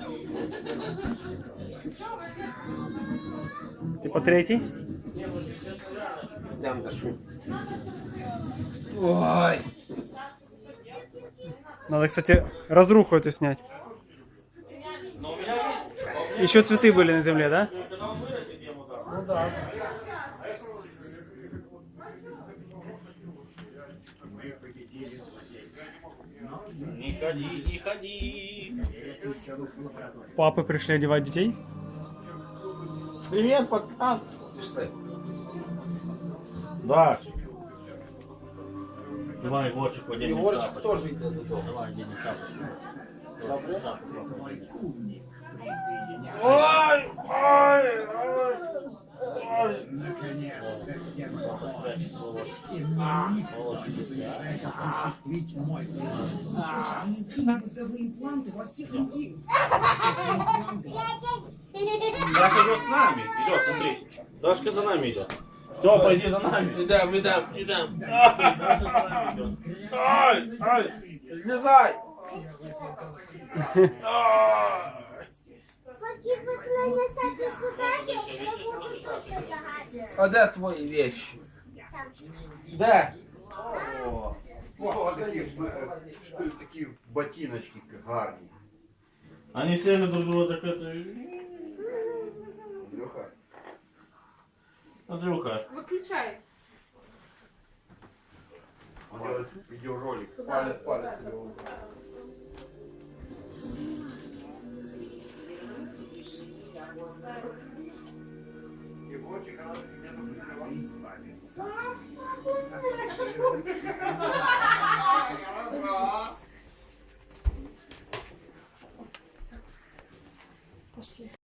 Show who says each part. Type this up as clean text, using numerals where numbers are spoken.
Speaker 1: Ти по третій?
Speaker 2: Дам дашу.
Speaker 1: Ой. Надо, кстати, разруху эту снять. Еще цветы были на земле, да?
Speaker 2: Ну да.
Speaker 3: Не ходи, не ходи.
Speaker 1: Папы пришли одевать детей.
Speaker 2: Привет, пацан. Пішли.
Speaker 3: Да. Давай, Егорчик, одень
Speaker 2: Егорчик
Speaker 3: шапочку.
Speaker 2: теж йде додому.
Speaker 3: Давай, одень шапочку.
Speaker 2: Добре?
Speaker 3: Шапочку, одень.
Speaker 2: Ой, ой, ой.
Speaker 4: осуществить мой план. Мозговые импланты во всех людей.
Speaker 3: Даша идет с нами. Идет, смотри. Дашка за нами идет. Степа, иди за нами.
Speaker 2: Ідем, ідем, ідем.
Speaker 3: Даша за нами идет.
Speaker 2: Ай, ай, злізай.
Speaker 5: Поки ви несете сюди, я буду тут лягати.
Speaker 2: А де твої вещи? Де?
Speaker 6: О, такі ботиночки гарні.
Speaker 3: Они сели друг друга так это...
Speaker 6: Андрюха.
Speaker 3: Андрюха.
Speaker 7: Выключай.
Speaker 6: Он делает видеоролик.
Speaker 2: Палець, палець.
Speaker 6: Егорчик, она где-то прикрывала.
Speaker 7: Пошли.